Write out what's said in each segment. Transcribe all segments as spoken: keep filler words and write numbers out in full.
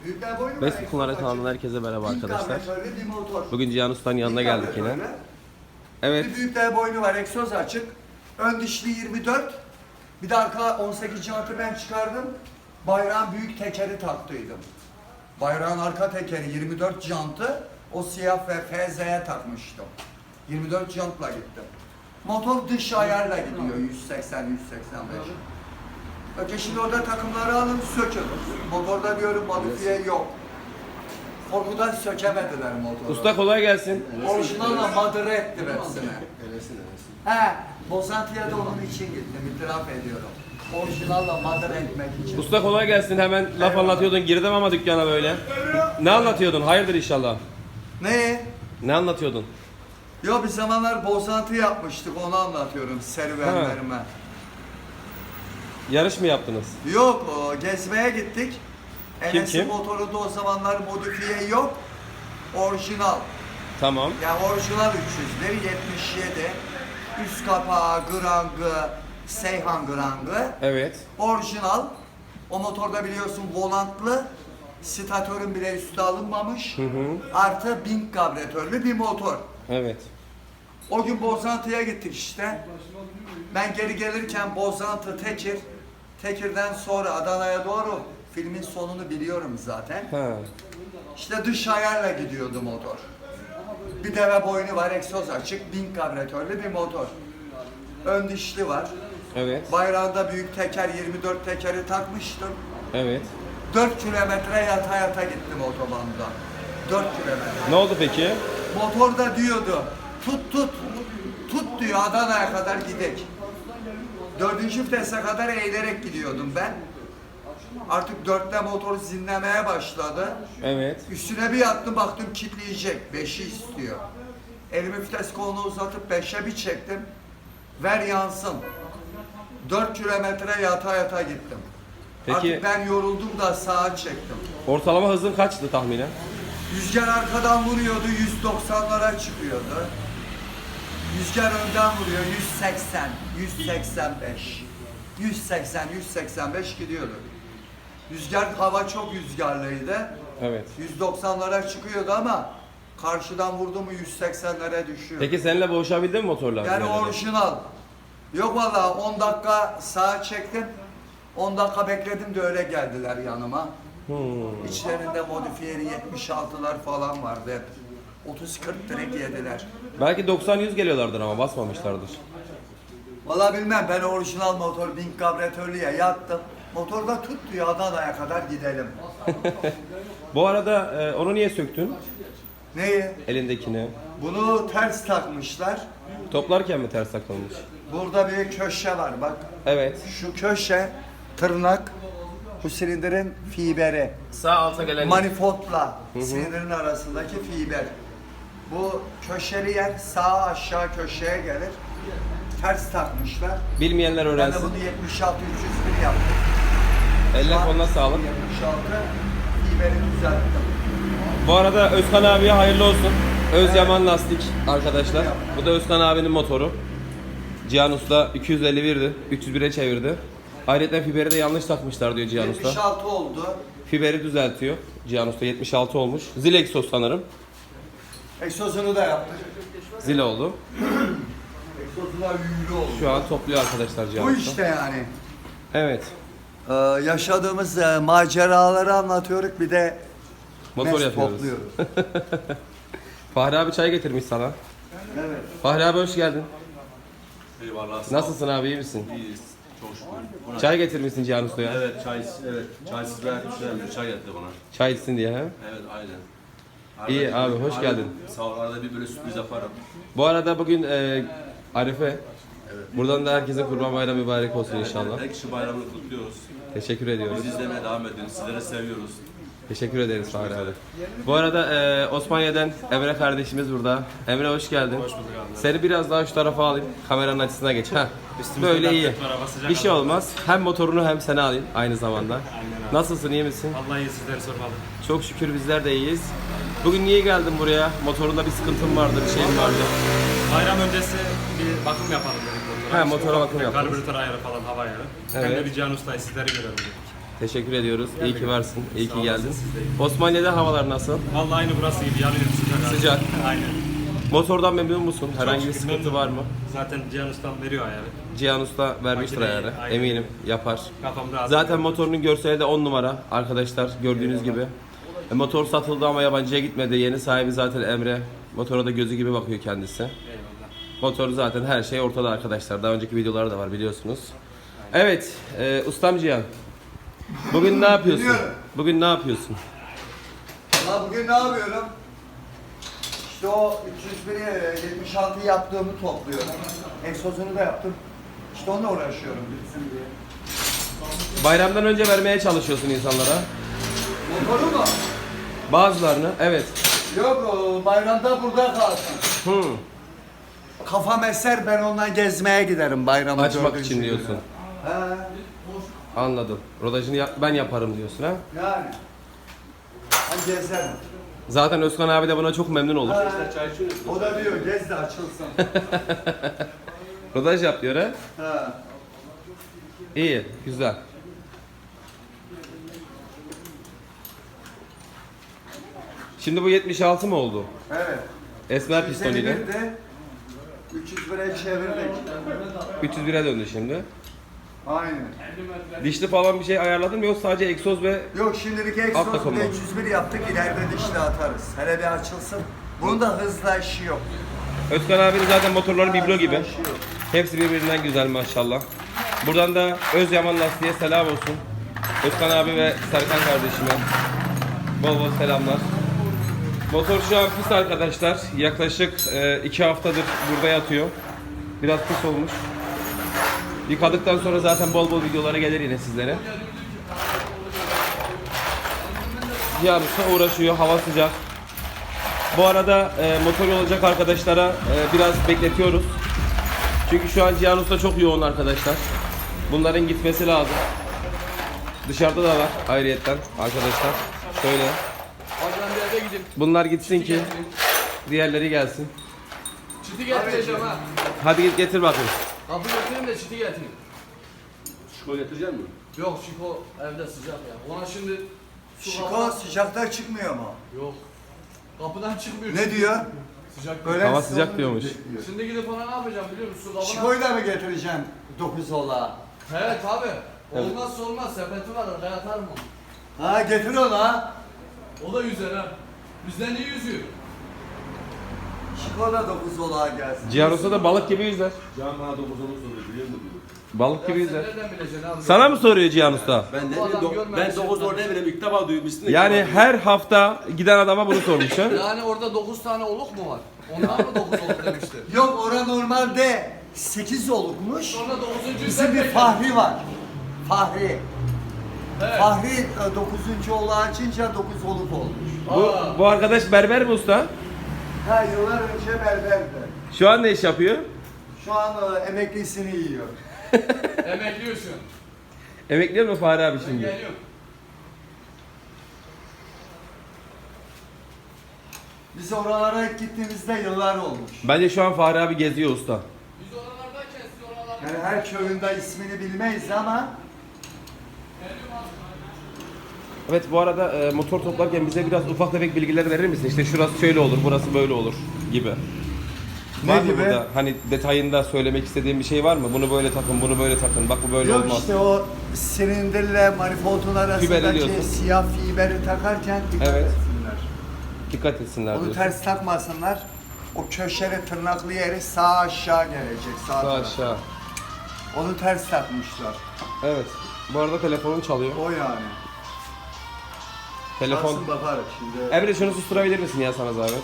Vespi Kumları kanalından herkese merhaba arkadaşlar. Bugün Cihan Usta'nın yanına geldik yine. Evet. Bir büyükler boynu var, egzoz açık. Ön dişli yirmi dört. Bir de arka on sekiz jantı ben çıkardım. Bayrağın büyük tekeri taktıydım. Bayrağın arka tekeri yirmi dört jantı. O siyah ve F Z'ye takmıştım. yirmi dört jantla gittim. Motor dış ayarla gidiyor yüz seksen yüz seksen beş. Önce şimdi orada takımları alın sökün. Motorda diyorum modifiye yok. Korkudan sökemediler motoru. Usta kolay gelsin. Orijinalla madara ettim hepsini. He, Bozantı'ya da onun için gittim, itiraf ediyorum. Orijinalla madara etmek için. Usta kolay gelsin. Hemen laf anlatıyordun. Girdim ama dükkana böyle. Ne anlatıyordun? Hayırdır inşallah. Ne? Ne anlatıyordun? Yo bir zamanlar Bozantı yapmıştık, onu anlatıyorum serüvenlerime. Yarış mı yaptınız? Yok, o, gezmeye gittik. Kim Enes'in kim? motorunda o zamanlar modifiye yok. Orijinal. Tamam. Yani orijinal üç yüzleri yetmiş yedi. Üst kapağı, grangı, Seyhan grangı. Evet. Orijinal. O motorda biliyorsun volantlı. Statörün bile üstü alınmamış. Hı hı. Artı bin karbüratörlü bir motor. Evet. O gün Bozantı'ya gittik işte. Ben geri gelirken Bozantı, Tekir. Tekir'den sonra Adana'ya doğru filmin sonunu biliyorum zaten. Ha. İşte dış ayarla gidiyordu motor. Bir deve boynu var, egzoz açık, bin karbüratörlü bir motor. Ön dişli var. Evet. Bayrağında büyük teker, yirmi dört tekeri takmıştım. Evet. dört kilometre yata yata gittim otobanda. dört kilometre. Ne oldu peki? Motor da diyordu, tut tut, tut diyor Adana'ya kadar gidek. Dördüncü vitese kadar eğilerek gidiyordum ben. Artık dörtte motor zinlemeye başladı. Evet. Üstüne bir yattım baktım kilitleyecek. Beşi istiyor. Elimi vites kolunu uzatıp beşe bir çektim. Ver yansın. Dört kilometre yata yata gittim. Peki- Artık ben yoruldum da sağa çektim. Ortalama hızın kaçtı tahminen? Rüzgar arkadan vuruyordu, yüz doksanlara çıkıyordu. Rüzgar önden vuruyor, yüz seksen, yüz seksen beş. yüz seksen, yüz seksen beş gidiyordu. Rüzgar, hava çok rüzgarlıydı. Evet. yüz doksanlara çıkıyordu ama karşıdan vurdu mu yüz seksenlere düşüyor. Peki seninle boğuşabildin mi motorla? Yani orijinal. Yok valla on dakika sağa çektim. on dakika bekledim de öyle geldiler yanıma. Hmm. İçlerinde modifiyeli yetmiş altılar falan vardı hep. otuz kırk direkt yediler. Belki doksan yüz geliyorlardır ama basmamışlardır. Valla bilmem, ben orijinal motor bin karbüratörlüye yattım. Motorda tut diyor Adana'ya kadar gidelim. Bu arada e, onu niye söktün? Neyi? Elindekini. Bunu ters takmışlar. Toplarken mi ters takılmış? Burada bir köşe var bak. Evet. Şu köşe tırnak, bu silindirin fiberi. Sağ alta gelen Manifoldla silindirin arasındaki fiber. Bu köşeli yer sağ aşağı köşeye gelir. Ters takmışlar. bilmeyenler Ben de öğrensin. bunu yetmiş altı üç yüz bir yaptım. Eline koluna sağlık. yetmiş altı fiberi düzelttim. Bu arada Özkan abiye hayırlı olsun. Özyaman lastik arkadaşlar. Bu da Özkan abinin motoru. Cihan Usta iki yüz elli birdi. üç yüz bire çevirdi. Ayrıca fiberi de yanlış takmışlar diyor Cihan yetmiş Usta. altı oldu. Fiberi düzeltiyor. Cihan Usta yetmiş altı olmuş. Zil egzoz sanırım. Egzozunu da yaptık. Zil oldu. Egzozlar yüklü oldu. Şu an topluyor arkadaşlar Cihan Bu Usta. işte yani. Evet. Ee, yaşadığımız e, maceraları anlatıyoruz, bir de Motor mes yapıyoruz. topluyoruz. Fahri abi çay getirmiş sana. Evet. Fahri abi hoş geldin. Eyvallah. sağ ol. Nasılsın abi, iyi misin? İyiyiz. Çok şükür. Buna- Çay getirmişsin Cihan Usta'ya. Evet, çay, evet. Çaysız ver, güzel çay getirdi bana. Çay içsin diye he. Evet, aynen. İyi bir- abi, hoş arada- geldin. Sağ ol, arada bir böyle sürpriz yaparım. Bu arada bugün e, Arife. Buradan da herkese Kurban Bayramı mübarek olsun inşallah. Her kişi bayramını kutluyoruz. Teşekkür ediyoruz. Bizi izlemeye devam edin. Sizleri seviyoruz. Teşekkür ederiz Fahri abi. Bu arada e, Osmaniye'den Emre kardeşimiz burada. Emre hoş geldin. Hoş bulduk abi. Seni biraz daha şu tarafa alayım. Kameranın açısına geç. Heh. Böyle iyi. Bir şey olmaz. Hem motorunu hem seni alayım aynı zamanda. Nasılsın, iyi misin? Allah iyi, sizleri sormalı. Çok şükür bizler de iyiyiz. Bugün niye geldin buraya? Motorunda bir sıkıntın vardı, bir şeyin vardı. Bayram öncesi bir bakım yapalım dedik motora. He, İşte motora ufak bakım bir yapalım. Karbüratör ayarı falan, hava ayarı. Hem Evet. de bir Cihan Usta sizleri görelim dedik. Teşekkür ediyoruz. İyi ki varsın. İyi Sağ ki olasın, geldin. siz de iyi. Osmaniye'de havalar nasıl? Vallahi aynı burası gibi yanıyor sıcak. abi. Sıcak. Aynen. Motordan memnun musun? Herhangi bir şükür sıkıntı memnunum. var mı? Zaten Cihan Ustam veriyor ayarı. Cihan Usta vermiştir Makineyi, ayarı. aynen. Eminim yapar. Kafam rahat. Zaten motorunun görseli de on numara arkadaşlar gördüğünüz gibi. E, motor satıldı ama yabancıya gitmedi. Yeni sahibi zaten Emre. Motora da gözü gibi bakıyor kendisi. Eyvallah. Motor zaten her şey ortada arkadaşlar. Daha önceki videoları da var biliyorsunuz. Evet, e, ustam Cihan. Bugün ne yapıyorsun? Biliyorum. Bugün ne yapıyorsun? Valla bugün ne yapıyorum? İşte o üç yüz bir yetmiş altı yaptığımı topluyorum. Egzozunu da yaptım. İşte onunla uğraşıyorum bitsin diye. Bayramdan önce vermeye çalışıyorsun insanlara. Motoru mu? Bazılarını, evet. Yok o bayramda burada kalsın. Hı. Kafam eser ben ondan gezmeye giderim bayramı Açmak dördüncü için günü. diyorsun. He Anladım. Rodajını yap- ben yaparım diyorsun ha. yani. Ben gezerim. Zaten Özkan abi de buna çok memnun olur. He. O da diyor gez de açılsın. Rodaj yap diyor ha. He. İyi, güzel. Şimdi bu yetmiş altı mı oldu? Evet. Esmer pistoniyle. üç yüz elli bir de üç yüz bire çevirdik. üç yüz bire döndü şimdi. Aynen. Dişli falan bir şey ayarladın mı yoksa sadece egzoz ve Yok şimdilik Alt egzoz takım bile mı? üç yüz bir yaptık ileride dişli atarız. Hele bir açılsın. Bunun da hızla işi yok. Özkan abinin zaten motorları biblo gibi. Hızla işi yok. Hepsi birbirinden güzel maşallah. Buradan da Özyaman Lastiğe selam olsun. Özkan abi ve Serkan kardeşime bol bol selamlar. Motor şu an pis arkadaşlar. Yaklaşık e, iki haftadır burada yatıyor. Biraz pis olmuş. Yıkadıktan sonra zaten bol bol videolara gelir yine sizlere. Cihan Usta uğraşıyor. Hava sıcak. Bu arada e, motor olacak arkadaşlara e, biraz bekletiyoruz. Çünkü şu an Cihan Usta çok yoğun arkadaşlar. Bunların gitmesi lazım. Dışarıda da var ayrıyetten arkadaşlar. Şöyle. Hocam bir eve gidip Bunlar gitsin ki diğerleri gelsin. çiti getireceğim ha. Hadi git getir bakayım. Kapı götüreyim de çiti getireyim. Şiko getirecek misin? Yok Şiko evde sıcak ya. Ona şimdi su Şiko kapıdan- sıcakta çıkmıyor mu? Yok. Kapıdan çıkmıyor. Ne diyor? Sıcak Böyle Hava siz sıcak onu diyormuş. bekliyor. Şimdi gidip ona ne yapacağım biliyor musun? Su kapıdan. Şiko'yu da mı getireceksin dokuz ola? He tabi. Olmazsa olmaz sepeti var oraya atarım onu. Ha getir onu ha. O da yüzer ha. Bizden iyi yüzüyor. Şiko da dokuz ola gelsin. Cihan Usta da balık gibi yüzer. Can bana dokuz onu soruyor biliyor musun? Balık gibi Ya sen yüzer. nereden bileceksin abi? Sana mı soruyor Cihan Usta? Ben ne Bu adam bileyim, görmemiş ben dokuz ya. orada bileyim ilk defa duymuşsun. Yani her hafta giden adama bunu sormuş ha. Yani orada dokuz tane oluk mu var? Ondan mı dokuz oluk demişti? Yok ora normalde sekiz olukmuş. Sonra dokuzuncuyu Bizim sen bir bekle. Fahri var. Fahri. Evet. Fahri e, dokuzuncu ola açınca dokuz oluk olmuş. Bu, bu arkadaş berber mi usta? Ha yıllar önce berberdi. Şu an ne iş yapıyor? Şu an e, emeklisini yiyor. Emekliyorsun. Emekliyor mu Fahri abi Ben şimdi? geliyorum. Biz oralara ilk gittiğimizde yıllar olmuş. Bence şu an Fahri abi geziyor usta. Biz oralardayken siz oralarda. Yani her köyünde ismini bilmeyiz ama Evet bu arada e, motor toplarken bize biraz ufak tefek bilgiler verir misin? İşte şurası şöyle olur, burası böyle olur gibi. Ne Var mı gibi? burada? Hani detayında söylemek istediğin bir şey var mı? Bunu böyle takın, bunu böyle takın. Bak bu böyle yok olmaz. işte o silindirle manifoldun arasındaki diyorsun. siyah fiberi takarken dikkat Evet. etsinler. Dikkat etsinler Onu diyorsun. ters takmasınlar. O köşeli tırnaklı yeri sağ aşağı gelecek. Sağ, Sağ tarafa. aşağı. Onu ters takmışlar. Evet. Bu arada telefonun çalıyor. O yani. Telefon. Çalsın bakarız şimdi. Emre şunu susturabilir misin ya sana zahmet?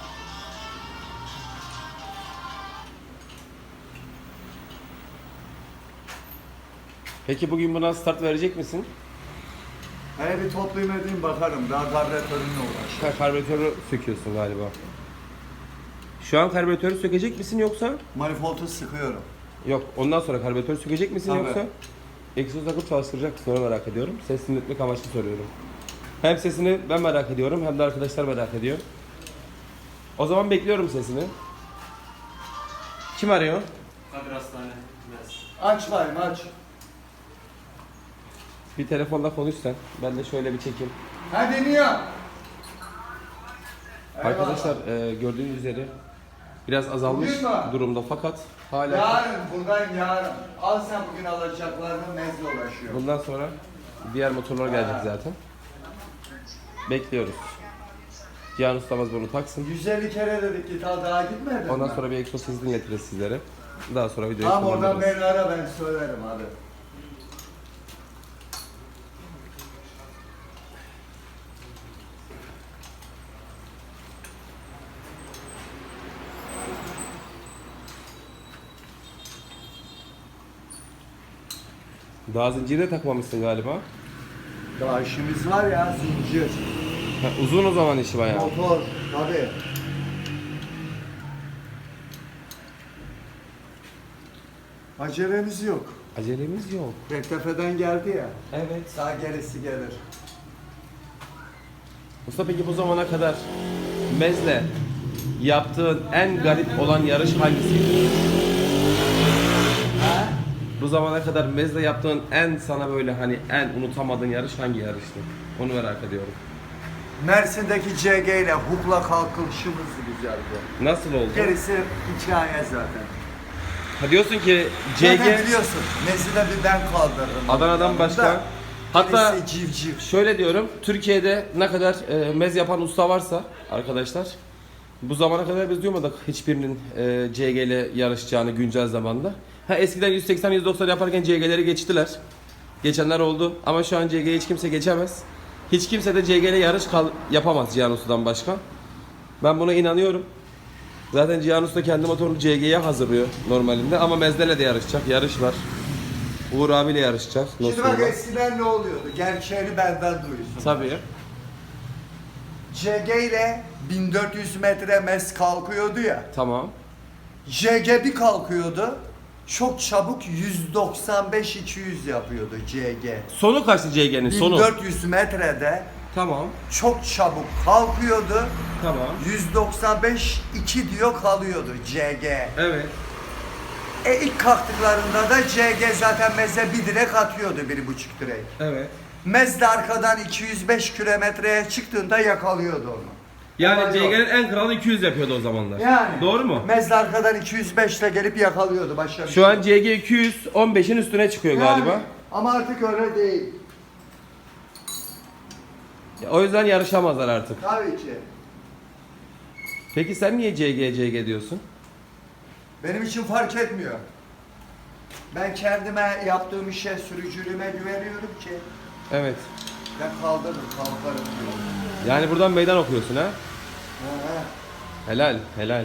Peki bugün buna start verecek misin? Hele bir toplayayım edeyim bakarım. Daha karbüratörünle uğraş. Ha, karbüratörü söküyorsun galiba. Şu an karbüratörü sökecek misin yoksa? Manifoldu sıkıyorum. Yok. Ondan sonra karbüratörü sökecek misin Tabii. yoksa? Egzoz takıp çalıştıracak mısın? Onu merak ediyorum. Ses dinletmek amaçlı soruyorum. Hem sesini ben merak ediyorum hem de arkadaşlar merak ediyor. O zaman bekliyorum sesini. Kim arıyor? Kadir Hastane. Biraz. Aç bayım aç. Bir telefonla konuş sen. Ben de şöyle bir çekeyim. Ha deniyor. Arkadaşlar e, gördüğünüz üzere biraz azalmış Bugün mü? durumda fakat hala Yarın buradayım yarın. Al sen bugün alacaklarını mezle uğraşıyor. bundan sonra diğer motorlar gelecek zaten. Bekliyoruz. Cihan ustamız bunu taksın. yüz elli kere dedik ki ta daha gitmedin Ondan mi? sonra bir egzoz dinletiriz sizlere. Daha sonra videoyu Tamam oradan sonlandırırız. beni ara ben söylerim hadi. Daha zinciri de takmamışsın galiba. Daha işimiz var ya zincir, Ha, uzun o zaman işi bayağı. motor tabii. Acelemiz yok. Acelemiz yok. Rektefeden geldi ya. Evet. Sağ gerisi gelir. Usta peki bu zamana kadar Mez'le yaptığın en garip olan yarış hangisiydi? Ha? Bu zamana kadar Mez'le yaptığın en sana böyle hani en unutamadığın yarış hangi yarıştı? Onu merak ediyorum. Mersin'deki C G ile hukla kalkışımız güzeldi. Nasıl oldu? Gerisi hikaye zaten. Ha diyorsun ki C Zaten G biliyorsun Mezide bir ben kaldırırım. Adana'dan başka. Hatta Gerisi civciv. şöyle diyorum, Türkiye'de ne kadar e, mez yapan usta varsa arkadaşlar, bu zamana kadar biz duymadık hiçbirinin e, C G ile yarışacağını güncel zamanda. Ha eskiden yüz seksen yüz doksan yaparken C G'leri geçtiler. Geçenler oldu ama şu an C G'yi hiç kimse geçemez. Hiç kimse de C G ile yarış kal yapamaz Cihan Usta'dan başka. Ben buna inanıyorum. Zaten Cihan Usta kendi motorunu C G'ye hazırlıyor normalinde ama Mez'lerle de yarışacak, yarış var. Uğur abiyle yarışacak. Şimdi bak Nostro'da. eskiden ne oluyordu? Gerçeğini benden duyuyorsun. Tabii. C G ile bin dört yüz metre mes kalkıyordu ya. Tamam. J G bir kalkıyordu. Çok çabuk yüz doksan beş iki yüz yapıyordu C G. Sonu kaçtı C G'nin sonu? bin dört yüz metrede Tamam. çok çabuk kalkıyordu. Tamam. yüz doksan beş iki diyor kalıyordu C G. Evet. E ilk kalktıklarında da C G zaten meze bir direk atıyordu, bir buçuk direk. Evet. Mez de arkadan iki yüz beş kilometreye çıktığında yakalıyordu onu. Yani Ama C yok. G'nin en kralı iki yüz yapıyordu o zamanlar. Yani. Doğru mu? Mez de arkadan iki yüz beşle gelip yakalıyordu başka bir Şu şey an yok. C G iki yüz on beşin üstüne çıkıyor Yani, galiba. ama artık öyle değil. O yüzden yarışamazlar artık. Tabii ki. Peki sen niye C G C G diyorsun? Benim için fark etmiyor. Ben kendime yaptığım işe, sürücülüğüme güveniyorum ki Evet. ben kaldırırım, kalkarım diyorum. Yani buradan meydan okuyorsun ha? Ha, ha. Helal, helal.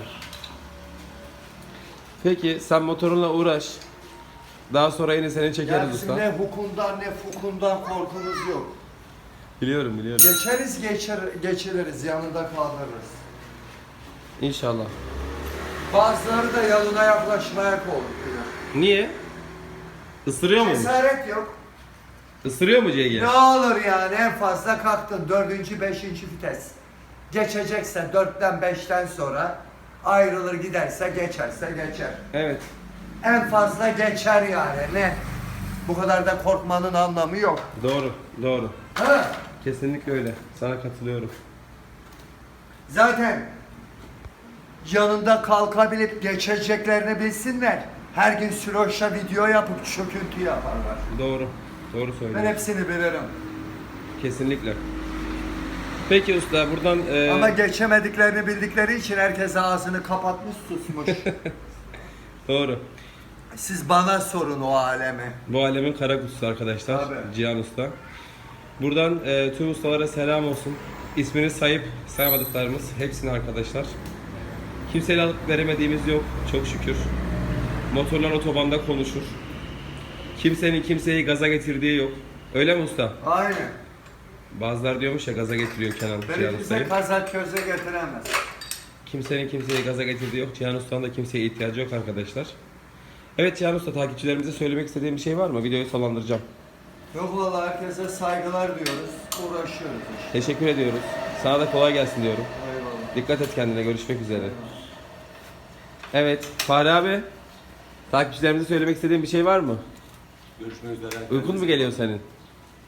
Peki sen motorunla uğraş. Daha sonra yine seni çekeriz Ya bizim usta. ne hukundan ne fukundan korkumuz yok. Biliyorum, biliyorum. Geçeriz geçer, geçiririz, yanında kaldırırız. İnşallah. Bazıları da yanına yaklaşmaya korkuyor. Niye? Isırıyor mu? Cesaret yok. Isırıyor mu C G? Ne olur yani, en fazla kalktın dördüncü, beşinci vites. Geçecekse dörtten beşten sonra ayrılır, giderse geçerse geçer. Evet. En fazla geçer yani, ne? Bu kadar da korkmanın anlamı yok. Doğru, doğru. Ha? Kesinlikle öyle. Sana katılıyorum. Zaten yanında kalkabilip geçeceklerini bilsinler. Her gün süroşla video yapıp çöküntü yaparlar. Doğru. Doğru Ben söylüyorsun. hepsini bilirim. Kesinlikle. Peki usta buradan e, Ama geçemediklerini bildikleri için herkes ağzını kapatmış, susmuş. doğru. Siz bana sorun o alemi. Bu alemin kara kutusu arkadaşlar. Tabii. Cihan Usta. Buradan e, tüm ustalara selam olsun. İsmini sayıp saymadıklarımız hepsine arkadaşlar. Kimseyle alıp veremediğimiz yok çok şükür. Motorlar otobanda konuşur. Kimsenin kimseyi gaza getirdiği yok. Öyle mi usta? Aynen. Bazılar diyormuş ya gaza getiriyor Kenan Cihan Beni bize Usta'yı. kazak köze getiremez. Kimsenin kimseyi gaza getirdiği yok. Cihan Usta'nın da kimseye ihtiyacı yok arkadaşlar. Evet Cihan Usta, takipçilerimize söylemek istediğim bir şey var mı? Videoyu sonlandıracağım. Yok valla, herkese saygılar diyoruz. Uğraşıyoruz işte. Teşekkür ediyoruz. Sana da kolay gelsin diyorum. Eyvallah. Dikkat et kendine. Görüşmek üzere. Evet. Fahri abi. Takipçilerimize söylemek istediğin bir şey var mı? Görüşmek üzere. Uykun mu geliyor senin?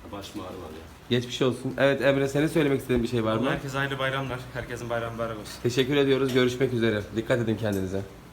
Başım ağrı var ya. Geçmiş olsun. Evet Emre, senin söylemek istediğin bir şey var mı? Herkese hayırlı bayramlar. Herkesin bayramı mübarek olsun. Teşekkür ediyoruz. Görüşmek üzere. Dikkat edin kendinize.